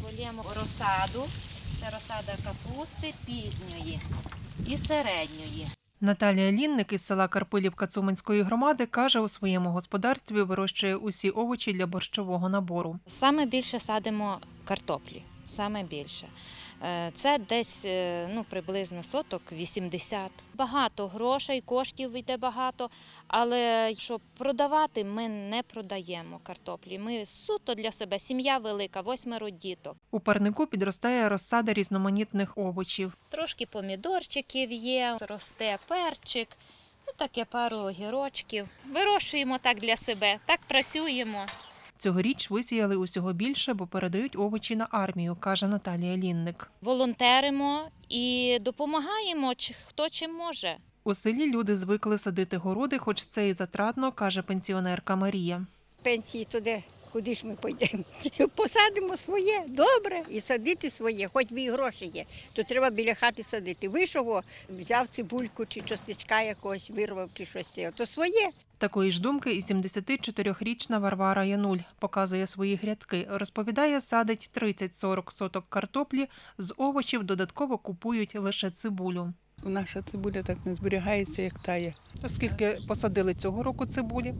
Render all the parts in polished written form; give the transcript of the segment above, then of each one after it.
полємо розсаду. Це розсада капусти пізньої і середньої. Наталія Лінник із села Карпилівка Цуманської громади каже, у своєму господарстві вирощує усі овочі для борщового набору. Саме більше садимо картоплі, саме більше. Це десь приблизно соток 80. Багато грошей, коштів йде багато, але щоб продавати, ми не продаємо картоплі. Ми суто для себе, сім'я велика, 8 діток. У парнику підростає розсада різноманітних овочів. Трошки помідорчиків є, росте перчик, таке пару огірочків. Вирощуємо так для себе, так працюємо. Цьогоріч висіяли усього більше, бо передають овочі на армію, каже Наталія Лінник. Волонтеримо і допомагаємо, хто чим може. У селі люди звикли садити городи, хоч це і затратно, каже пенсіонерка Марія. Пенсії туди, куди ж ми пойдемо? Посадимо своє, добре, і садити своє, хоч і гроші є, то треба біля хати садити. Вийшов, взяв цибульку чи чесничка якогось, вирвав чи щось, то своє. Такої ж думки і 74-річна Варвара Януль. Показує свої грядки. Розповідає, садить 30-40 соток картоплі, з овочів додатково купують лише цибулю. Наша цибуля так не зберігається, як тає. Скільки посадили цього року цибулі?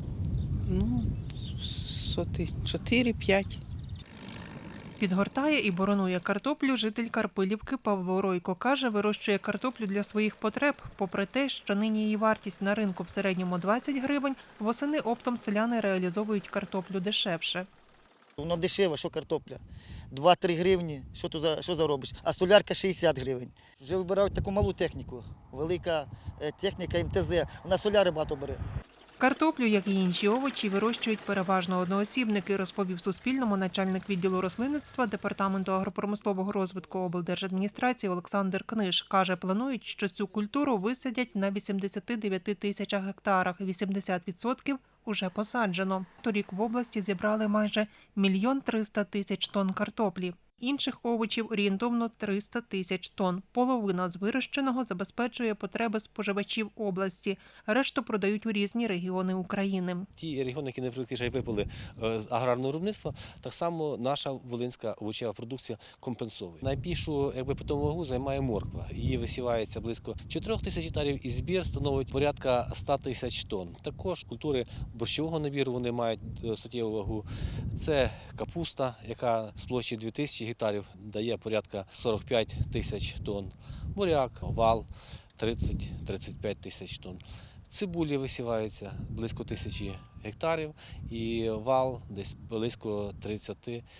Соти 4-5. Підгортає і боронує картоплю житель Карпилівки Павло Ройко. Каже, вирощує картоплю для своїх потреб. Попри те, що нині її вартість на ринку в середньому 20 гривень, восени оптом селяни реалізовують картоплю дешевше. Воно дешево, що картопля. 2-3 гривні, що заробиш, а солярка 60 гривень. Вже вибирають таку малу техніку, велика техніка МТЗ, вона соляри багато бере. Картоплю, як і інші овочі, вирощують переважно одноосібники, розповів Суспільному начальник відділу рослинництва Департаменту агропромислового розвитку облдержадміністрації Олександр Книж. Каже, планують, що цю культуру висадять на 89 тисячах гектарах. 80% уже посаджено. Торік в області зібрали майже 1 300 000 тонн картоплі. Інших овочів орієнтовно 300 тисяч тонн. Половина з вирощеного забезпечує потреби споживачів області. Решту продають у різні регіони України. Ті регіони, які не випали з аграрного виробництва, так само наша волинська овочева продукція компенсує. Найбільшу питому вагу займає морква. Її висівається близько 4 тисяч гектарів і збір становить порядка 100 тисяч тонн. Також культури борщового набіру вони мають суттєву вагу. Це капуста, яка з площі 2000 гектарів дає порядка 45 тисяч тонн. Буряк, вал 30-35 тисяч тонн. Цибулі висівається близько 1000 гектарів і вал десь близько 30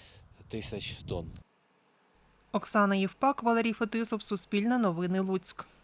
тисяч тонн. Оксана Євпак, Валерій Фетисов, Суспільне новини, Луцьк.